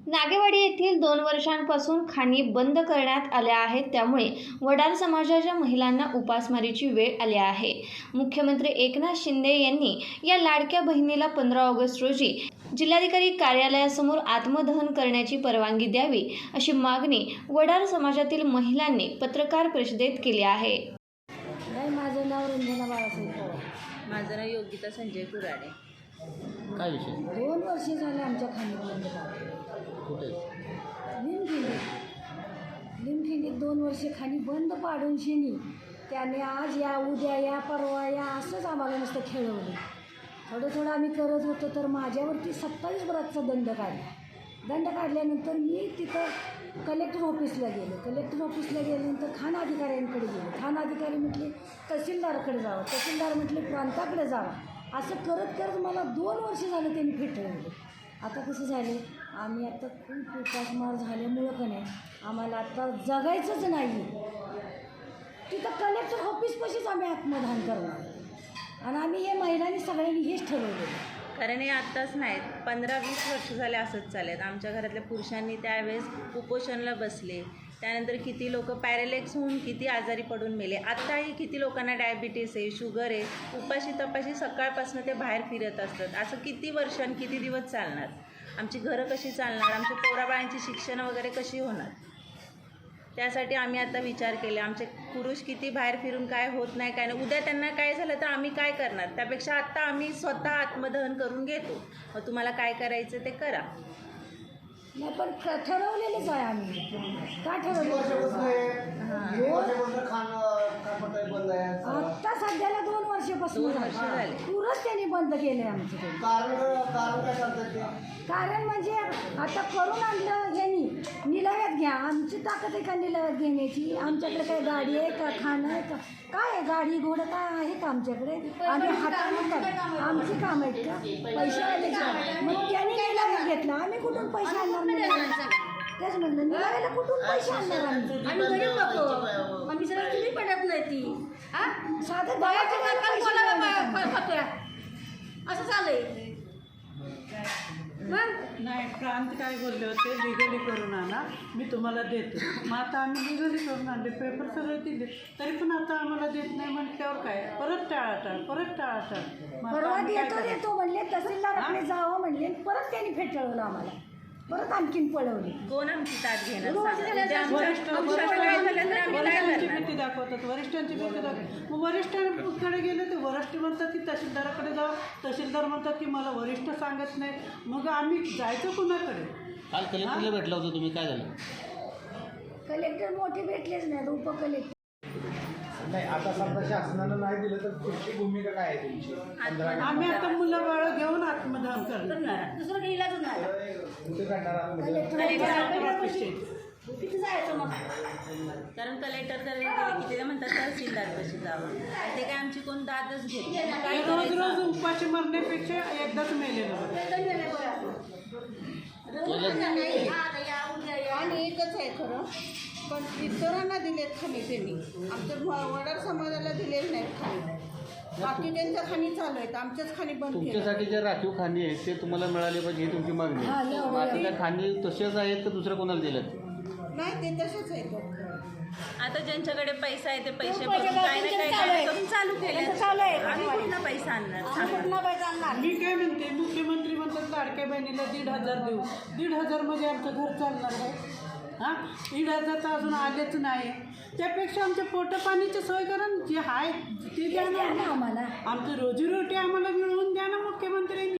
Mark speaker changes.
Speaker 1: नागेवाडी येथील 2 वर्षांपासून खाणी बंद करण्यात आल्या आहेत, त्यामुळे वडार समाजाच्या महिलांना उपासमारीची वेळ आली आहे। मुख्यमंत्री एकनाथ शिंदे यांनी या लाडक्या बहिणीला 15 ऑगस्ट रोजी जिल्हाधिकारी कार्यालयासमोर आत्मदहन करण्याची परवानगी द्यावी, अशी मागणी वडार समाजातील महिलांनी पत्रकार परिषदेत केली आहे।
Speaker 2: माझं नाव रंजना बाळासाहेब पवार.
Speaker 3: माझं नाव योगिता संजय कुराडे.
Speaker 4: काय विषय?
Speaker 2: 2 वर्ष झाले आमच्या खाणी बंद
Speaker 4: कुठे?
Speaker 2: लिमखिंडीत 2 वर्ष खाणी बंद पाडून शिनी त्याने आज या उद्या या परवा या असंच आम्हाला नुसतं खेळवलं. थोडं आम्ही करत होतो तर माझ्यावरती 27 बराचचा दंड काढला. दंड काढल्यानंतर मी तिथं कलेक्टर ऑफिसला गेल्यानंतर खाण अधिकाऱ्यांकडे गेले. खाण अधिकारी म्हटले तहसीलदाराकडे जावं, तहसीलदार म्हटले प्रांताकडे जावं. असं करत मला 2 वर्ष झालं त्यांनी फेटाळले. आता कसं झाले, आम्ही आता खूप उपासमार झाल्यामुळं का नाही आम्हाला आता जगायचंच नाही. तिथं कलेक्टर ऑफिसपाशीच आम्ही आत्मदहन करणार आणि आम्ही हे महिलांनी सगळ्यांनी हेच ठरवलं.
Speaker 3: कारण हे आत्ताच नाहीत, 15-20 वर्ष झाले असंच चालेल. आमच्या घरातल्या पुरुषांनी त्यावेळेस उपोषणला बसले. त्यानंतर किती लोक पॅरालिक्स होऊन किती आजारी पडून मेले. आत्ताही किती लोकांना डायबिटीस आहे, शुगर आहे. उपाशी तपाशी सकाळपासून ते बाहेर फिरत असतात. असं किती वर्ष आणि किती दिवस चालणार? आमची घरं कशी चालणार? आमच्या पोराबाळांची शिक्षण वगैरे कशी होणार? त्यासाठी आम्ही आता विचार केले. आमचे पुरुष किती बाहेर फिरून काय होत नाही, काय नाही. उद्या त्यांना काय झालं तर आम्ही काय करणार? त्यापेक्षा आत्ता आम्ही स्वतः आत्मदहन करून घेतो. मग तुम्हाला काय करायचं ते करा.
Speaker 2: नाही पण ठरवलेलंच आहे आम्ही. का ठरवलं? आत्ता सध्याला 2 वर्षापासून
Speaker 3: झाले.
Speaker 2: पुरंच त्यांनी बंद केलं आहे आमचं. कारण म्हणजे आता करून आणलं ह्यांनी निलाव्यात घ्या. आमची ताकद आहे का निलाव्यात घेण्याची? आमच्याकडे काय गाडी आहे का, खाणं आहे का, काय आहे? गाडी घोडं काय आहे का आमच्याकडे? आम्ही हाताने आमची काम आहेत का? पैसे आले का? मग त्यांनी निलाव्यात घेतला, आम्ही कुठून पैसे आणणार? तेच म्हणलं, निलाव्याला कुठून पैसे आणणार आम्ही गरीब लोक. आम्ही सगळं तुम्ही पडत नाही ती साधं असं चाललंय.
Speaker 5: नाही, प्रांत काय बोलले होते, लिगली करून आणा, मी तुम्हाला देतो. मग आता आम्ही लिगली करून आणले, पेपर सगळे दिले, तरी पण आता आम्हाला देत नाही म्हटल्यावर काय? परत टाळाटाळ.
Speaker 2: परवा देतो म्हणले, तहसीलदाराकडे जावं म्हणले, परत त्यांनी फेटाळवलं आम्हाला. परत आणखीन पळवली.
Speaker 3: कोण आमची ताट घेणार?
Speaker 5: वरिष्ठांची भीती दाखवतात. मग वरिष्ठांकडे गेले तर वरिष्ठ म्हणतात की तहसीलदाराकडे जावं. तहसीलदार म्हणतात की मला वरिष्ठ सांगत नाही. मग आम्ही जायचं कुणाकडे?
Speaker 4: काल कलेक्टरला भेटला होता तुम्ही, काय झालं?
Speaker 2: कलेक्टर मोठे भेटलेच नाही, उपकलेक्टर.
Speaker 6: नाही, आता समजा शासनानं नाही दिलं तर पुढची भूमिका काय आहे तुमची?
Speaker 5: आम्ही आता मुलं बाळ घेऊन आत्मदहन करणार.
Speaker 2: दुसरं काही इलाज नाही.
Speaker 6: कुठे करणार आहात?
Speaker 2: किती जायचं मग?
Speaker 3: कारण कलेक्टर गेले की ते म्हणतात तहसीलदार कशी जावं. ते काय आमची कोण दादच घेत.
Speaker 5: रोज उपाशी मरण्यापेक्षा एकदाच मेलेलं.
Speaker 7: आणि एकच आहे खरं, पण इतरांना दिलेत खाणी त्यांनी. आमच्या वडार समाजाला दिलेले नाहीत खाणी. बाकी त्यांच्या खाणी चालू आहेत, आमच्याच खाणी बंद केल्या.
Speaker 4: तुमच्यासाठी जे राखीव खाणी आहेत ते तुम्हाला मिळाले पाहिजे ही तुमची मागणी आहे. आता त्या खाणी तसेच आहेत का दुसऱ्या कोणाला दिल्यात?
Speaker 7: नाही, ते तसेच आहेत.
Speaker 3: आता ज्यांच्याकडे पैसा आहे ते पैसे भरून काय ना काय करून चालू केले. आम्ही कुठला पैसा आणणार?
Speaker 5: मी काय म्हणते, मुख्यमंत्री म्हणतात लाडक्या बहिणीला 1,500 देऊ. 1,500 मध्ये आमचं घर चालणार आहे? हां, 1,500 तर अजून आलेच नाही. त्यापेक्षा आमच्या पोटपाण्याची सोय करा, जे आहे ते द्या ना आम्हाला. आमची रोजीरोटी आम्हाला मिळवून द्या ना मुख्यमंत्र्यांनी.